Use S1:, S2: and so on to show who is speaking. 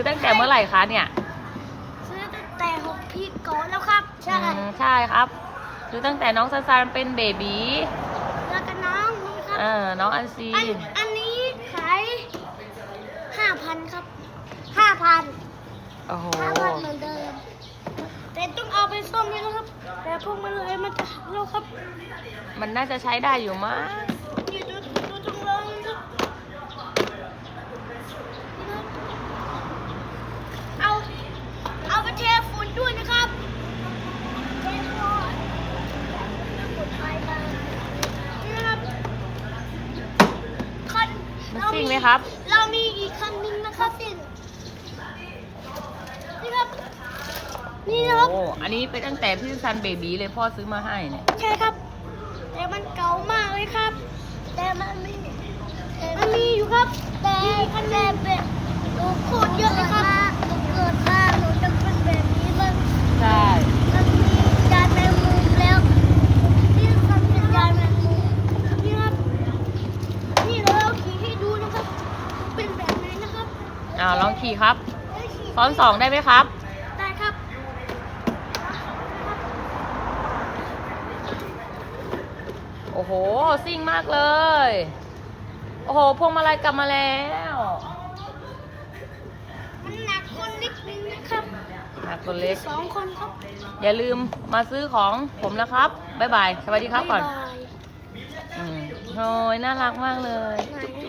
S1: ตั้งแต่เมื่อไหร่คะเนี่ย
S2: ซื้อตั้งแต่6 ปีก่อนแล้วครับใช่
S1: ใช่ครับซื้อตั้งแต่น้องซันซานเป็นเบบี
S2: แล้วก็น้องนี่ครับ
S1: น้องอันซี
S2: อันนี้ขาย5,000ครับ5,000
S1: โอ้โห
S2: เหมือนเดิมแต่ต้องเอาไปซ่อมนี่นะครับแต่พวกมันเลยมันจะหักแล้วครับ
S1: มันน่าจะใช้ได้อยู่มั้ง
S2: นี่ดูตรงเลยครับเอาไปเทฝุ่นด้วยนะครับเทฝุ่นไปมานี่นะครับคัน
S1: มันซิ่งไหมครับ
S2: เรามีอีกคันนึงนะครับซิ่งนี่ครับนี่นะครับ
S1: โอ้อันนี้เป็นตั้งแต่พี่ซันเบบีเลยพ่อซื้อมาให้เนี่ย
S2: ใช่ครับแต่มันเก่ามากเลยครับแต่มันมีอยู่ครับแต่คะแนนเป็นหนูโคตรเยอะเลยครับหนูเกิดมาหนูจะเป็นแบบนี้เลย
S1: ใช่
S2: มันมียานแมงมุมแล้วนี่มันเป็นยานแมงมุมนี่ครับนี่เราขี่ให้ดูนะครับเป็นแบบไหนนะครับ
S1: ลองขี่ครับ
S2: ได้ขี่
S1: ซ้อน2ได้ไหมครับ
S2: ได้ครับ
S1: โอ้โหซิ่งมากเลย โอ้โหพวงมาลัยกลับมาแล้ว
S2: มันหนักคนนิดนึงนะครับ
S1: หนักคนเล็ก
S2: 2 คนครับ
S1: อย่าลืมมาซื้อของผมนะครับ บ๊ายบาย สวัสดีครับก่อน
S2: บ๊ายบาย
S1: โอ้ยน่ารักมากเลย
S2: ไหน